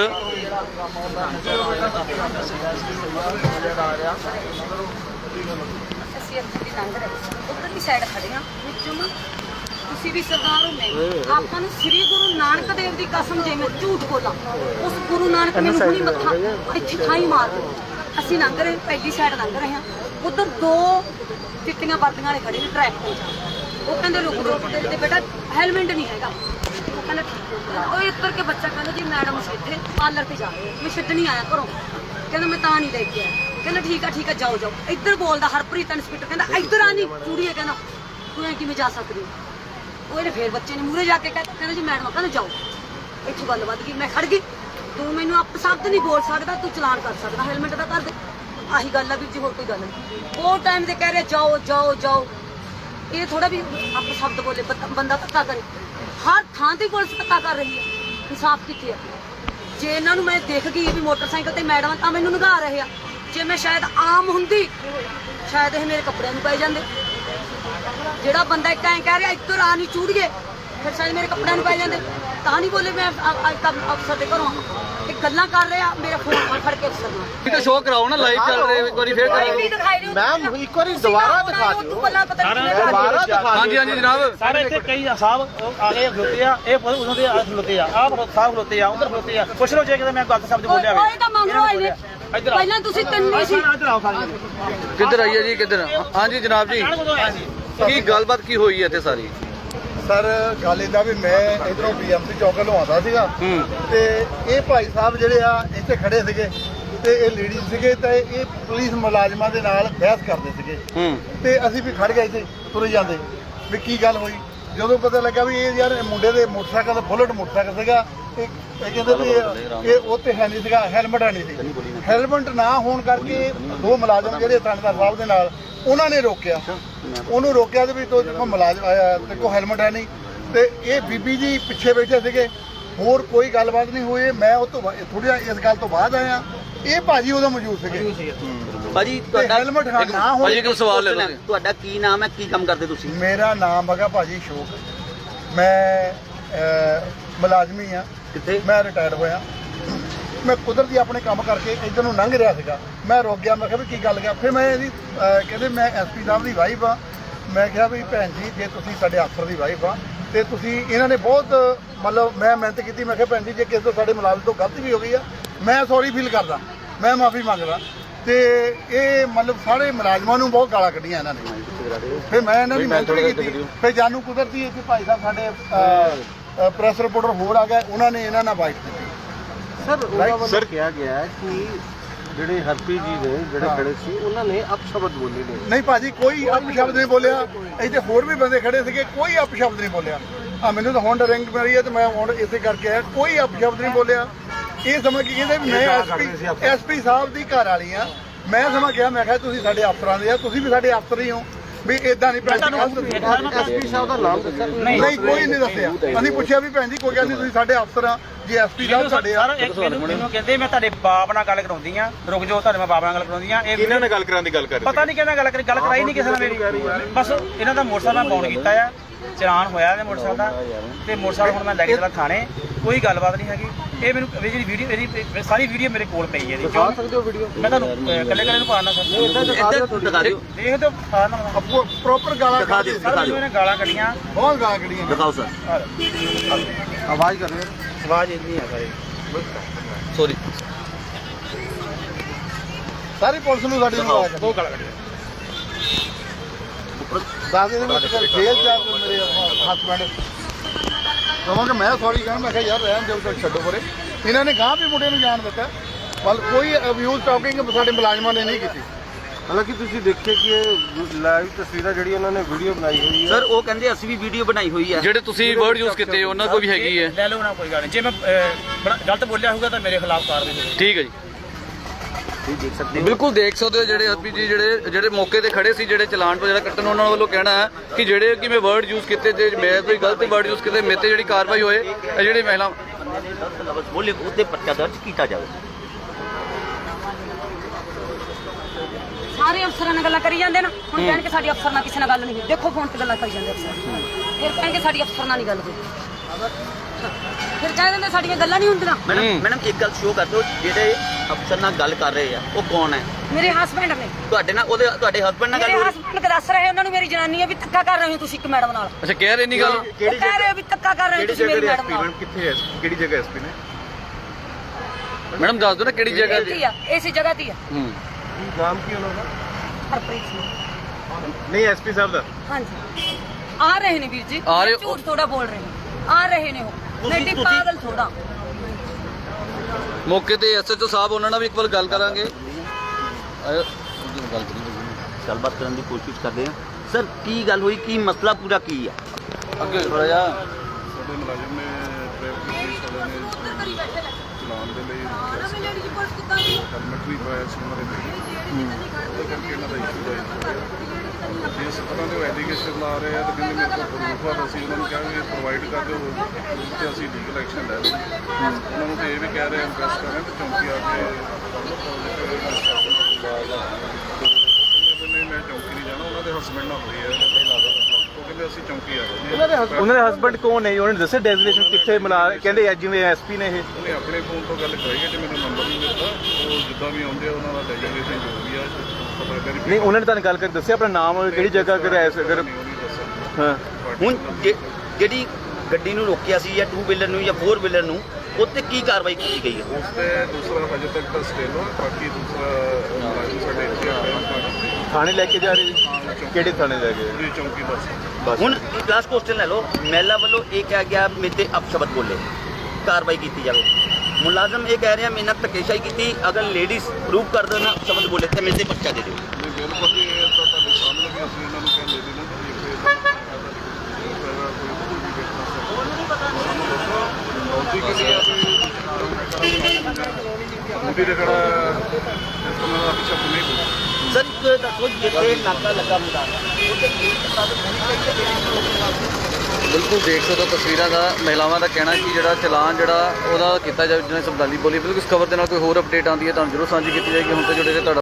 S2: ਅਸੀਂ ਇੱਥੇ ਦੀ ਲੰਘ ਰਹੇ ਉਧਰਲੀ ਸਾਈਡ ਖੜੇ ਆ, ਵਿੱਚੋਂ ਨਾ ਤੁਸੀਂ ਵੀ ਸਰਦਾਰ ਹੋ, ਮੈਂ ਆਪਾਂ ਨੂੰ ਸ੍ਰੀ ਗੁਰੂ ਨਾਨਕ ਦੇਵ ਦੀ ਕਸਮ, ਜੇ ਮੈਂ ਝੂਠ ਬੋਲਾਂ, ਉਸ ਗੁਰੂ ਨਾਨਕ ਮੈਨੂੰ ਹੁਣੀ ਮੱਥਾ ਇੱਥੇ ਥਾਈ ਮਾਰ ਦੇ। ਅਸੀਂ ਲੰਘ ਰਹੇ, ਪਹਿਲੀ ਸਾਈਡ ਲੰਘ ਰਹੇ ਹਾਂ, ਉਧਰ 2 ਚਿੱਟੀਆਂ ਵਰਦੀਆਂ ਵਾਲੇ ਖੜੇ ਨੇ ਟ੍ਰੈਫਿਕ 'ਚ। ਉਹ ਕਹਿੰਦੇ ਰੁਕ ਜਾਓ, ਤੇ ਬੇਟਾ ਹੈਲਮਟ ਨਹੀਂ ਹੈਗਾ। ਕਹਿੰਦਾ ਠੀਕ ਹੈ। ਉਹ ਇੱਧਰ ਕੇ ਬੱਚਾ ਕਹਿੰਦਾ ਜੀ ਮੈਡਮ ਅਸੀਂ ਇੱਥੇ ਪਾਰਲਰ ਤੇ ਜਾ ਰਹੇ ਹਾਂ, ਮੈਂ ਛੱਡਣੀ ਆਇਆ ਘਰੋਂ। ਕਹਿੰਦਾ ਮੈਂ ਤਾਂ ਨਹੀਂ ਲੈ ਕੇ ਆਇਆ। ਕਹਿੰਦਾ ਠੀਕ ਆ ਜਾਓ ਇੱਧਰ ਬੋਲਦਾ ਹਰਪ੍ਰੀਤ ਇੰਸਪੈਕਟਰ ਕਹਿੰਦਾ ਇੱਧਰ ਆ ਨਹੀਂ ਚੂੜੀਏ ਕਹਿੰਦਾ ਤੂੰ ਐ ਕਿਵੇਂ ਜਾ ਸਕਦੀ ਹੈ। ਉਹ ਇਹਨੇ ਫੇਰ ਬੱਚੇ ਨੇ ਮੂਹਰੇ ਜਾ ਕੇ ਕਹਿੰਦਾ ਜੀ ਮੈਡਮ ਕਹਿੰਦਾ ਜਾਓ। ਇੱਥੋਂ ਗੱਲ ਵੱਧ ਗਈ, ਮੈਂ ਖੜ ਗਈ। ਤੂੰ ਮੈਨੂੰ ਆਪ ਸ਼ਬਦ ਨਹੀਂ ਬੋਲ ਸਕਦਾ, ਤੂੰ ਚਲਾਨ ਕਰ ਸਕਦਾ, ਹੈਲਮਟ ਦਾ ਕਰ ਦੇ। ਆਹੀ ਗੱਲ ਆ ਵੀਰ ਜੀ, ਹੋਰ ਕੋਈ ਗੱਲ ਨਹੀਂ। ਉਹ ਟਾਈਮ ਤੇ ਕਹਿ ਰਿਹਾ ਜਾਓ। ਇਹ ਥੋੜਾ ਵੀ ਆਪ ਸ਼ਬਦ ਬੋਲੇ ਬੰਦਾ ਧੱਕਾ ਕਰੇ। ਹਰ ਥਾਂ ਤੇ ਪੁਲਿਸ ਧੱਕਾ ਕਰ ਰਹੀ ਹੈ, ਇਨਸਾਫ ਕਿੱਥੇ ਆ? ਜੇ ਇਹਨਾਂ ਨੂੰ ਮੈਂ ਦੇਖ ਗਈ ਵੀ ਮੋਟਰਸਾਈਕਲ ਤੇ ਮੈਡਮ ਤਾਂ ਮੈਨੂੰ ਨਿਗਾਹ ਰਹੇ ਆ। ਜੇ ਮੈਂ ਸ਼ਾਇਦ ਆਮ ਹੁੰਦੀ ਸ਼ਾਇਦ ਇਹ ਮੇਰੇ ਕੱਪੜਿਆਂ ਨੂੰ ਪੈ ਜਾਂਦੇ। ਜਿਹੜਾ ਬੰਦਾ ਇੱਕ ਐਂ ਕਹਿ ਰਿਹਾ ਇੱਧਰ ਆ ਨਹੀਂ ਚੂੜੀਏ, ਫਿਰ ਸ਼ਾਇਦ ਮੇਰੇ ਕੱਪੜਿਆਂ ਨੂੰ ਪੈ ਜਾਂਦੇ। ਤਾਂ ਨਹੀਂ ਬੋਲੇ ਮੈਂ ਅੱਜ ਤੱਕ ਅਫਸਰ ਦੇ ਘਰੋਂ ਇਹ ਗੱਲਾਂ ਕਰ ਰਿਹਾ, ਮੇਰਾ ਫੋਨ ਫੜ ਕੇ ਅਫਸਰ ਨੂੰ
S1: ਇਹ ਤਾਂ ਸ਼ੋਅ ਕਰਾਓ ਨਾ, ਲਾਈਵ ਚੱਲ ਰਹੇ ਇੱਕ ਵਾਰੀ ਫੇਰ ਕਰਾਓ।
S5: ਮੈਮ ਇੱਕ ਵਾਰੀ ਦੁਬਾਰਾ ਦਿਖਾ ਦਿਓ। ਦੁਬਾਰਾ ਦਿਖਾ
S1: ਹਾਂਜੀ ਜਨਾਬ।
S3: ਸਾਰੇ ਇੱਥੇ ਕਈ ਸਾਹਿਬ ਆ ਗਏ ਖਲੋਤੇ ਆ, ਇਹ ਉਦੋਂ ਦੇ ਖਲੋਤੇ ਆ, ਆਹ ਸਾਹਿਬ ਖਲੋਤੇ ਆ, ਉਧਰ ਖਲੋਤੇ ਆ। ਪੁੱਛ ਲਓ ਜੇ ਕਿਤੇ ਮੈਂ ਗਲਤ ਸ਼ਬਦ ਬੋਲਿਆ
S2: ਓਏ ਤਾਂ ਮੰਗ ਲਓ ਇਹਨੇ ਪਹਿਲਾਂ ਤੁਸੀਂ ਤਿੰਨ ਸੀ।
S3: ਇੱਧਰ ਆਓ ਸਾਰੇ
S1: ਕਿੱਧਰ ਆਈਏ ਜੀ ਕਿੱਧਰ? ਹਾਂਜੀ ਜਨਾਬ ਜੀ,
S3: ਕਦੋਂ ਆਇਆ ਸੀ?
S1: ਕੀ ਗੱਲਬਾਤ ਕੀ ਹੋਈ ਹੈ ਇੱਥੇ ਸਾਰੀ?
S7: ਸਰ ਗੱਲ ਇਹਦਾ ਵੀ ਮੈਂ ਇਧਰੋਂ BMC ਚੌਕ ਵੱਲੋਂ ਆਉਂਦਾ ਸੀਗਾ ਤੇ ਇਹ ਭਾਈ ਸਾਹਿਬ ਜਿਹੜੇ ਆ ਇੱਥੇ ਖੜੇ ਸੀਗੇ ਤੇ ਇਹ ਲੇਡੀ ਸੀਗੇ ਤੇ ਇਹ ਪੁਲਿਸ ਮੁਲਾਜ਼ਮਾਂ ਦੇ ਨਾਲ ਬਹਿਸ ਕਰਦੇ ਸੀਗੇ ਤੇ ਅਸੀਂ ਵੀ ਖੜ ਗਏ ਸੀ ਤੁਰੇ ਜਾਂਦੇ ਵੀ ਕੀ ਗੱਲ ਹੋਈ। ਜਦੋਂ ਪਤਾ ਲੱਗਾ ਵੀ ਇਹ ਯਾਰ ਮੁੰਡੇ ਦੇ ਮੋਟਰਸਾਈਕਲ ਬੁਲਟ ਮੋਟਰਸਾਈਕਲ ਸੀਗਾ, ਇਹ ਕਹਿੰਦੇ ਵੀ ਇਹ ਉਹ ਤੇ ਹੈ ਨਹੀਂ ਸੀਗਾ, ਹੈਲਮਟ ਹੈ ਨਹੀਂ ਸੀ। ਹੈਲਮਟ ਨਾ ਹੋਣ ਕਰਕੇ ਦੋ ਮੁਲਾਜ਼ਮ ਜਿਹੜੇ ਥਾਣੇਦਾਰ ਸਾਹਿਬ ਦੇ ਨਾਲ ਉਹਨਾਂ ਨੇ ਰੋਕਿਆ, ਉਹਨੂੰ ਰੋਕਿਆ ਤੇ ਵੀ ਤੋ ਦੇਖੋ ਮੁਲਾਜ਼ਮ ਆਇਆ ਤੇ ਕੋ ਹੈਲਮਟ ਹੈ ਨਹੀਂ ਤੇ ਇਹ ਬੀਬੀ ਜੀ ਪਿੱਛੇ ਬੈਠੇ ਸੀਗੇ। ਹੋਰ ਕੋਈ ਗੱਲਬਾਤ ਨਹੀਂ ਹੋਈ। ਮੈਂ ਉਹ ਤੋਂ ਥੋੜੀ ਇਸ ਗੱਲ ਤੋਂ ਬਾਅਦ ਆਇਆ। ਇਹ ਭਾਜੀ ਉਦੋਂ ਮੌਜੂਦ ਸੀਗੇ।
S4: ਭਾਜੀ
S7: ਤੁਹਾਡਾ ਹੈਲਮਟ ਨਾ
S1: ਭਾਜੀ
S7: ਹੋਏ।
S1: ਇੱਕ ਸਵਾਲ ਲੈ ਲਓ।
S4: ਤੁਹਾਡਾ ਕੀ ਨਾਮ ਹੈ, ਕੀ ਕੰਮ ਕਰਦੇ ਤੁਸੀਂ?
S7: ਮੇਰਾ ਨਾਮ ਹੈਗਾ ਭਾਜੀ ਅਸ਼ੋਕ। ਮੈਂ ਮੁਲਾਜ਼ਮੀ ਆ।
S4: ਕਿੱਥੇ?
S7: ਮੈਂ ਰਿਟਾਇਰ ਹੋਇਆ। ਮੈਂ ਕੁਦਰਤੀ ਆਪਣੇ ਕੰਮ ਕਰਕੇ ਇੱਧਰ ਨੂੰ ਲੰਘ ਰਿਹਾ ਸੀਗਾ। ਮੈਂ ਰੁਕ ਗਿਆ, ਮੈਂ ਕਿਹਾ ਵੀ ਕੀ ਗੱਲ ਗਿਆ। ਫਿਰ ਮੈਂ ਇਹਦੀ ਕਹਿੰਦੇ ਮੈਂ SP ਸਾਹਿਬ ਦੀ ਵਾਈਫ ਆ। ਮੈਂ ਕਿਹਾ ਵੀ ਭੈਣ ਜੀ ਜੇ ਤੁਸੀਂ ਸਾਡੇ ਅਫਸਰ ਦੀ ਵਾਈਫ ਆ ਤੇ ਤੁਸੀਂ ਇਹਨਾਂ ਨੇ ਬਹੁਤ ਮਤਲਬ ਮੈਂ ਮਿਹਨਤ ਕੀਤੀ। ਮੈਂ ਕਿਹਾ ਭੈਣ ਜੀ ਜੇ ਕਿਸੇ ਤੋਂ ਸਾਡੇ ਮੁਲਾਜ਼ਮ ਤੋਂ ਗਲਤੀ ਵੀ ਹੋ ਗਈ ਆ ਮੈਂ ਸੌਰੀ ਫੀਲ ਕਰਦਾ, ਮੈਂ ਮਾਫੀ ਮੰਗਦਾ। ਤੇ ਇਹ ਮਤਲਬ ਸਾਰੇ ਮੁਲਾਜ਼ਮਾਂ ਨੂੰ ਬਹੁਤ ਗਾਲਾਂ ਕੱਢੀਆਂ ਇਹਨਾਂ ਨੇ। ਫਿਰ ਮੈਂ ਇਹਨਾਂ ਦੀ ਮਿਹਨਤ ਵੀ ਕੀਤੀ। ਫਿਰ ਜਾਨੂੰ ਕੁਦਰਤੀ ਇੱਥੇ ਭਾਈ ਸਾਹਿਬ ਸਾਡੇ ਪ੍ਰੈਸ ਰਿਪੋਰਟਰ ਹੋਰ ਆ ਗਏ, ਉਹਨਾਂ ਨੇ ਇਹਨਾਂ ਨਾਲ ਬਾਈਟ ਕੀਤੀ।
S5: ਸਰ ਕਿਹਾ ਗਿਆ ਹੈ ਕਿ ਜਿਹੜੇ ਹਰਪ੍ਰੀਤ ਜੀ ਨੇ ਜਿਹੜੇ ਖੜੇ ਸੀ ਉਹਨਾਂ ਨੇ ਅਪਸ਼ਬਦ ਬੋਲੇ ਨੇ।
S7: ਨਹੀਂ ਭਾਜੀ ਕੋਈ ਅਪਸ਼ਬਦ ਨਹੀਂ ਬੋਲਿਆ। ਇੱਥੇ ਹੋਰ ਵੀ ਬੰਦੇ ਖੜੇ ਸੀਗੇ, ਕੋਈ ਅਪਸ਼ਬਦ ਨਹੀਂ ਬੋਲਿਆ। ਆ ਮੈਨੂੰ ਤਾਂ ਹੁਣ ਰਿੰਗ ਮਾਰੀ ਹੈ ਤੇ ਮੈਂ ਹੁਣ ਇਸੇ ਕਰਕੇ ਆਇਆ। ਕੋਈ ਅਪਸ਼ਬਦ ਨਹੀਂ ਬੋਲਿਆ। ਇਹ ਸਮਝ ਕੇ ਕਹਿੰਦੇ ਮੈਂ SP ਸਾਹਿਬ ਦੀ ਘਰ ਵਾਲੀ ਆ। ਮੈਂ ਸਮਝ ਗਿਆ, ਮੈਂ ਕਿਹਾ ਤੁਸੀਂ ਸਾਡੇ ਅਫਸਰਾਂ ਦੇ ਆ, ਤੁਸੀਂ ਵੀ ਸਾਡੇ ਅਫਸਰ ਹੀ ਹੋ ਵੀ ਇਦਾਂ ਨਹੀਂ ਭੈਣ ਜੀ।
S5: SP ਸਾਹਿਬ ਦਾ ਨਾਮ ਦੱਸਿਆ
S7: ਨਹੀਂ ਕੋਈ ਨਹੀਂ ਦੱਸਿਆ। ਅਸੀਂ ਪੁੱਛਿਆ ਵੀ ਭੈਣ ਜੀ ਕੋਈ ਗੱਲ ਨਹੀਂ ਤੁਸੀਂ ਸਾਡੇ ਅਫਸਰ ਆ ਜੇ SP ਸਾਹਿਬ ਸਾਡੇ ਆ।
S3: ਸਰ ਇੱਕ ਮੈਨੂੰ ਕਹਿੰਦੇ ਮੈਂ ਤੁਹਾਡੇ ਬਾਪ ਨਾਲ ਗੱਲ ਕਰਾਉਂਦੀ ਆ, ਰੁਕ ਜਾਓ ਤੁਹਾਡੇ ਮੈਂ ਬਾਪ ਨਾਲ ਗੱਲ ਕਰਾਉਂਦੀ ਆ। ਇਹ
S5: ਇਹਨਾਂ ਨੇ ਗੱਲ ਕਰਾਉਣ ਦੀ ਗੱਲ ਕਰ
S3: ਪਤਾ ਨਹੀਂ ਕਿਹਨਾਂ ਗੱਲ ਕਰਾਈ ਨਹੀਂ ਕਿਸੇ ਨਾਲ ਮੇਰੀ। ਬਸ ਇਹਨਾਂ ਦਾ ਮੋਟਰਸਾਈਕਲ ਮੈਂ ਬਾਉਂਡ ਕੀਤਾ ਆ, ਚਲਾਨ ਹੋਇਆ ਇਹਦੇ ਮੋਟਰਸਾਈਕਲ ਦਾ ਤੇ ਮੋਟਰਸਾਈਕਲ ਹੁਣ ਮੈਂ ਲੈ ਕੇ ਚਲਾ ਥਾਣੇ। ਕੋਈ ਗੱਲਬਾਤ ਨਹੀਂ ਹੈਗੀ। ਇਹ ਮੈਨੂੰ ਜਿਹੜੀ ਵੀਡੀਓ ਇਹਦੀ ਸਾਰੀ ਵੀਡੀਓ ਮੇਰੇ ਕੋਲ ਪਈ ਹੈ।
S5: ਦਿਖਾ ਸਕਦੇ ਹੋ ਵੀਡੀਓ?
S3: ਮੈਂ ਤੁਹਾਨੂੰ ਕੱਲੇ ਨੂੰ ਪਾਣਾ ਸਰ।
S4: ਇੱਧਰ ਦਿਖਾ ਦਿਓ,
S3: ਦੇਖ ਦਿਓ
S7: ਪ੍ਰੋਪਰ ਗਾਲਾਂ
S4: ਦਿਖਾ ਦਿਓ,
S3: ਸਰ ਮੈਨੂੰ ਇਹਨੇ ਗਾਲਾਂ ਕੱਢੀਆਂ।
S7: ਬਹੁਤ ਗਾਲਾਂ ਕੱਢੀਆਂ।
S4: ਦਿਖਾਓ ਸਰ।
S5: ਆਵਾਜ਼ ਕਰ ਰਹੇ
S3: ਆਵਾਜ਼ ਇੰਨੀ ਆ ਸਾਰੇ
S1: ਸੌਰੀ
S7: ਸਾਰੀ ਪੁਲਿਸ ਨੂੰ ਸਾਡੀ ਨੂੰ ਆਵਾਜ਼
S3: ਬਹੁਤ ਗਾਲਾਂ ਕੱਢੀਆਂ।
S7: ਦੱਸ ਦੇ ਵਿੱਚ ਜੇਲ੍ਹ ਜਾ ਕੇ ਮੇਰੇ ਹਸਬੰਡ ਕਹਾਂਗੇ ਮੈਂ ਸੌਰੀ ਕਹਿਣ। ਮੈਂ ਕਿਹਾ ਯਾਰ ਰਹਿਣ ਦਿਓ, ਛੱਡੋ ਪਰੇ। ਇਹਨਾਂ ਨੇ ਗਾਂ ਵੀ ਮੁੰਡੇ ਨੂੰ ਜਾਣ ਦਿੱਤਾ। ਪਰ ਕੋਈ ਅਬਿਊਜ਼ ਟਾਕਿੰਗ ਸਾਡੇ ਮੁਲਾਜ਼ਮਾਂ ਨੇ ਨਹੀਂ ਕੀਤੀ।
S5: ਹਾਲਾਂਕਿ ਤੁਸੀਂ ਦੇਖਿਆ ਕਿ ਇਹ ਲਾਈਵ ਤਸਵੀਰਾਂ ਜਿਹੜੀ ਉਹਨਾਂ ਨੇ ਵੀਡੀਓ ਬਣਾਈ ਹੋਈ ਹੈ।
S4: ਸਰ ਉਹ ਕਹਿੰਦੇ ਅਸੀਂ ਵੀ ਵੀਡੀਓ ਬਣਾਈ ਹੋਈ ਹੈ।
S1: ਜਿਹੜੇ ਤੁਸੀਂ ਵਰਡ ਯੂਜ਼ ਕੀਤੇ ਉਹਨਾਂ ਕੋਲ ਵੀ ਹੈਗੀ ਹੈ।
S3: ਲੈ ਲਓ ਨਾ, ਕੋਈ ਗੱਲ ਨਹੀਂ। ਜੇ ਮੈਂ ਗਲਤ ਬੋਲਿਆ ਹੋਊਗਾ ਤਾਂ ਮੇਰੇ ਖਿਲਾਫ ਕਾਰਵਾਈ ਹੋਵੇਗੀ।
S1: ਠੀਕ ਹੈ ਜੀ,
S4: ਤੁਸੀਂ ਦੇਖ ਸਕਦੇ ਹੋ।
S1: ਬਿਲਕੁਲ ਦੇਖ ਸਕਦੇ ਹੋ। ਜਿਹੜੇ ਹਰਪ੍ਰੀਤ ਜੀ ਜਿਹੜੇ ਮੌਕੇ ਤੇ ਖੜੇ ਸੀ, ਜਿਹੜੇ ਚਲਾਨ ਤੋਂ ਜਿਹੜਾ ਕੱਟਣ, ਉਹਨਾਂ ਵੱਲੋਂ ਕਹਿਣਾ ਹੈ ਕਿ ਜਿਹੜੇ ਕਿ ਮੈਂ ਵਰਡ ਯੂਜ਼ ਕੀਤੇ ਤੇ ਮੈਂ ਕੋਈ ਗਲਤ ਵਰਡ ਯੂਜ਼ ਕੀਤੇ ਮੇਰੇ ਤੇ ਜਿਹੜੀ ਕਾਰਵਾਈ ਹੋਏ। ਇਹ ਜਿਹੜੀ ਮਹਿਲਾ
S4: ਲਫ਼ਜ਼ ਬੋਲੇ ਉਹਦੇ ਪਰਚਾ ਦਰਜ ਕੀਤਾ ਜਾਵੇ।
S2: ਸਾਰੇ ਅਫਸਰਾਂ ਨਾਲ ਗੱਲਾਂ ਕਰੀ ਜਾਂਦੇ ਨਾ। ਹੁਣ ਕਹਿਣ ਕਿ ਸਾਡੀ ਅਫਸਰ ਨਾਲ ਕਿਸੇ ਨਾਲ ਗੱਲ ਨਹੀਂ ਹੋਈ। ਦੇਖੋ ਫੋਨ ਤੇ ਗੱਲਾਂ ਕਰੀ ਜਾਂਦੇ ਅਫਸਰ। ਫਿਰ ਕਹਿਣ ਕਿ ਸਾਡੀ ਅਫਸਰ ਨਾਲ ਨਹੀਂ ਗੱਲ ਹੋਈ। ਫਿਰ ਕਹਿ ਦਿੰਦੇ ਸਾਡੀਆਂ ਗੱਲਾਂ ਨਹੀਂ ਹੁੰਦੀਆਂ।
S4: ਮੈਡਮ ਇੱਕ ਗੱਲ ਸ਼ੋਅ ਕਰ ਦਿਓ, ਜਿਹੜੇ ਅਫਸਰ ਨਾਲ ਗੱਲ ਕਰ ਰਹੇ ਆ ਉਹ ਕੌਣ ਹੈ?
S2: ਮੇਰੇ ਹਸਬੰਡ ਨੇ।
S4: ਤੁਹਾਡੇ ਨਾਲ ਤੁਹਾਡੇ ਹਸਬੰਡ ਨਾਲ ਗੱਲ
S2: ਮੇਰੇ
S4: ਹੋ ਰਹੀ?
S2: ਹਸਬੰਡ ਦੱਸ ਰਹੇ ਉਹਨਾਂ ਨੂੰ ਮੇਰੀ ਜਨਾਨੀ ਹੈ ਵੀ ਧੱਕਾ ਕਰ ਰਹੇ ਹੋ ਤੁਸੀਂ ਇੱਕ ਮੈਡਮ ਨਾਲ।
S1: ਅੱਛਾ ਕਹਿ ਰਹੇ ਨਹੀਂ ਗੱਲ।
S2: ਉਹ ਕਹਿ ਰਹੇ ਹੋ ਵੀ ਧੱਕਾ ਕਰ ਰਹੇ ਹੋ ਤੁਸੀਂ ਮੇਰੀ ਮੈਡਮ ਨਾਲ।
S5: ਕਿੱਥੇ ਹੈ? ਕਿਹੜੀ ਜਗ੍ਹਾ SP ਨੇ?
S1: ਮੈਡਮ ਦੱਸ ਦਿਓ ਨਾ ਕਿਹੜੀ ਜਗ੍ਹਾ
S2: ਇੱਥੇ ਹੀ ਆ, ਇਸੇ ਜਗ੍ਹਾ ਤੇ ਹੀ ਆ।
S5: ਕੀ ਨਾਮ ਕੀ ਉਹਨਾਂ ਦਾ?
S2: ਹਰਪ੍ਰੀਤ ਸਿੰਘ।
S5: ਨਹੀਂ SP ਸਾਹਿਬ ਦਾ।
S2: ਹਾਂਜੀ ਆ ਰਹੇ ਨੇ ਵੀਰ ਜੀ।
S1: ਆ ਰਹੇ-
S2: ਝੂਠ ਥੋੜਾ ਬੋਲ ਰਹੇ ਨੇ। ਆ ਰਹੇ ਨੇ ਉਹ ਬੇਟੀ ਪਾਗਲ ਥੋੜਾ।
S1: ਮੌਕੇ ਤੇ ਐਸਐਚਓ ਸਾਹਿਬ ਉਹਨਾਂ ਨਾਲ ਵੀ ਇੱਕ ਵਾਰ ਗੱਲ ਕਰਾਂਗੇ। ਗੱਲ ਕਰੀਏ
S4: ਗੱਲਬਾਤ ਕਰਨ ਦੀ ਕੋਸ਼ਿਸ਼ ਕਰਦੇ ਹਾਂ। ਸਰ ਕੀ ਗੱਲ ਹੋਈ, ਕੀ ਮਸਲਾ ਪੂਰਾ ਕੀ ਹੈ?
S1: ਅੱਗੇ ਥੋੜਾ ਜਿਹਾ
S8: ਸਾਡੇ ਮੁਲਾਜ਼ਮ ਨੇ ਟ੍ਰੈਫਿਕ ਪੁਲਿਸ ਵਾਲਿਆਂ ਨੇ ਚਲਾਉਣ ਦੇ ਲਈ ਹੈਲਮਟ ਵੀ ਪਾਇਆ ਸੀ ਉਹਨਾਂ ਦੇ ਉਹਦੇ ਕਰਕੇ ਇਹਨਾਂ ਦਾ ਇਸ਼ੂ ਹੋਇਆ। ਜਿਸ ਤਰ੍ਹਾਂ ਦੇ ਐਲੀਗੇਸ਼ਨ ਲਾ ਰਹੇ ਆ ਤਾਂ ਕਹਿੰਦੇ ਮੇਰੇ ਕੋਲ ਪ੍ਰੂਫ ਆ, ਅਸੀਂ ਉਹਨਾਂ ਨੂੰ ਕਿਹਾ ਵੀ ਪ੍ਰੋਵਾਈਡ ਕਰ ਦਿਓ proof ਤੇ ਅਸੀਂ ਲੀਗਲ ਐਕਸ਼ਨ ਲੈ ਲਵਾਂਗੇ। ਉਹਨਾਂ ਨੂੰ ਤੇ ਇਹ ਵੀ ਕਹਿ ਰਹੇ ਰਿਕਵੈਸਟ ਕਰ ਰਹੇ ਕਿ ਚੌਂਕੀ ਆ ਕੇ ਮੈਂ ਚੌਂਕੀ ਨਹੀਂ ਜਾਣਾ, ਉਹਨਾਂ ਦੇ ਹਸਬੈਂਡ ਨਾਲ ਹੋਈ ਹੈ, ਉਹ ਕਹਿੰਦੇ ਅਸੀਂ ਚੌਂਕੀ ਆ ਰਹੇ ਹਾਂ।
S9: ਉਹਨਾਂ ਦੇ ਹਸਬੰਡ ਕੌਣ ਨੇ? ਉਹਨਾਂ ਨੇ ਦੱਸਿਆ ਡੈਜ਼ਿਗਨੇਸ਼ਨ ਕਿੱਥੇ ਮਿਲਾ, ਕਹਿੰਦੇ ਜਿਵੇਂ ਐਸਪੀ ਨੇ ਇਹ
S8: ਉਹਨੇ ਆਪਣੇ ਫੋਨ ਤੋਂ ਗੱਲ ਕਰਾਈ ਹੈ ਤੇ ਮੈਨੂੰ ਨੰਬਰ ਨਹੀਂ ਦਿੱਤਾ। ਉਹ ਜਿੱਦਾਂ ਵੀ ਆਉਂਦੇ ਆ ਉਹਨਾਂ ਦਾ ਡੈਜ਼ਿਗਨੇਸ਼ਨ ਜੋ ਵੀ ਆ ਪਤਾ ਕਰੀ
S9: ਨਹੀਂ, ਉਹਨਾਂ ਨੇ ਤੁਹਾਨੂੰ ਗੱਲ ਕਰਕੇ ਦੱਸਿਆ ਆਪਣਾ ਨਾਮ ਕਿਹੜੀ ਜਗ੍ਹਾ ਕਰ ਅਗਰ
S8: ਨਹੀਂ ਦੱਸਿਆ।
S9: ਹਾਂ
S4: ਹੁਣ ਜਿਹੜੀ ਗੱਡੀ ਨੂੰ ਰੋਕਿਆ ਸੀ ਜਾਂ 2 ਵੀਲਰ ਨੂੰ ਜਾਂ 4 ਵੀਲਰ ਨੂੰ, ਉੱਤੇ ਕੀ ਕਾਰਵਾਈ ਕੀਤੀ ਗਈ ਹੈ?
S8: ਉਸ ਤੇ ਦੂਸਰਾ ਹਜੇ ਤੱਕ ਤਾਂ ਸਟੇਲ ਹੈ, ਬਾਕੀ ਦੂਸਰਾ ਮੁਲਾਜ਼ਮ ਸਾਡੇ ਇੱਥੇ ਆ ਰਿਹਾ
S9: ਥਾਣੇ ਲੈ ਕੇ ਜਾ ਰਹੇ ਜੀ? ਕਿਹੜੇ ਥਾਣੇ ਲੈ ਗਏ?
S8: ਪੂਰੀ ਚੌਂਕੀ ਬਸ।
S4: ਹੁਣ ਕਲਾਸ ਕੁਐਸਚਨ ਲੈ ਲਓ। ਮਹਿਲਾ ਵੱਲੋਂ ਇਹ ਕਿਹਾ ਗਿਆ ਮੇਰੇ ਤੇ ਅਪਸ਼ਬਦ ਬੋਲੇ, ਕਾਰਵਾਈ ਕੀਤੀ ਜਾਵੇ। ਮੁਲਾਜ਼ਮ ਇਹ ਕਹਿ ਰਿਹਾ ਮੇਰੇ ਨਾਲ ਧੱਕੇਸ਼ਾਹੀ ਕੀਤੀ, ਅਗਰ ਲੇਡੀਜ਼ ਪ੍ਰੂਵ ਕਰ ਦੇਣਾ ਅਪਸ਼ਬਦ ਬੋਲੇ ਤੇ ਮੇਰੇ ਤੇ ਪਰਚਾ ਦੇ ਦਿਓ।
S8: ਨਹੀਂ ਬਿਲਕੁਲ ਜੀ, ਇਹ ਤਾਂ ਤੁਹਾਡੇ ਸਾਹਮਣੇ ਵੀ ਅਸੀਂ ਇਹਨਾਂ ਨੂੰ ਕਹਿ ਦੇ ਦੇਣਾ ਕਿ ਇਹ ਕੋਈ ਸਾਨੂੰ ਦੱਸੋ ਗਲਤੀ ਕਿਹਦੀ ਆ ਉਹਦੀ ਦੇ ਕਿਹੜਾ ਇਸ ਤਰ੍ਹਾਂ ਦਾ ਅਪਸ਼ਬਦ ਨਹੀਂ ਬੋਲਦਾ।
S4: ਸਰ ਇੱਕ ਦੱਸੋ, ਜਿੱਥੇ ਨਾਕਾ ਲੱਗਾ ਹੁੰਦਾ ਉੱਥੇ ਕੀ
S1: ਬਿਲਕੁਲ ਦੇਖ ਸਕਦੇ ਹੋ ਤਸਵੀਰਾਂ ਦਾ। ਮਹਿਲਾਵਾਂ ਦਾ ਕਹਿਣਾ ਕਿ ਜਿਹੜਾ ਚਲਾਨ ਜਿਹੜਾ ਉਹਦਾ ਕੀਤਾ ਜਾਵੇ, ਜਿਹਨੇ ਸ਼ਬਦਾਲੀ ਬੋਲੀ। ਬਿਲਕੁਲ ਇਸ ਖਬਰ ਦੇ ਨਾਲ ਕੋਈ ਹੋਰ ਅਪਡੇਟ ਆਉਂਦੀ ਹੈ ਤੁਹਾਨੂੰ ਜ਼ਰੂਰ ਸਾਂਝੀ ਕੀਤੀ ਜਾਏਗੀ। ਹੁਣ ਤੇ ਜੁੜੇ ਰਹੋ ਤੁਹਾਡਾ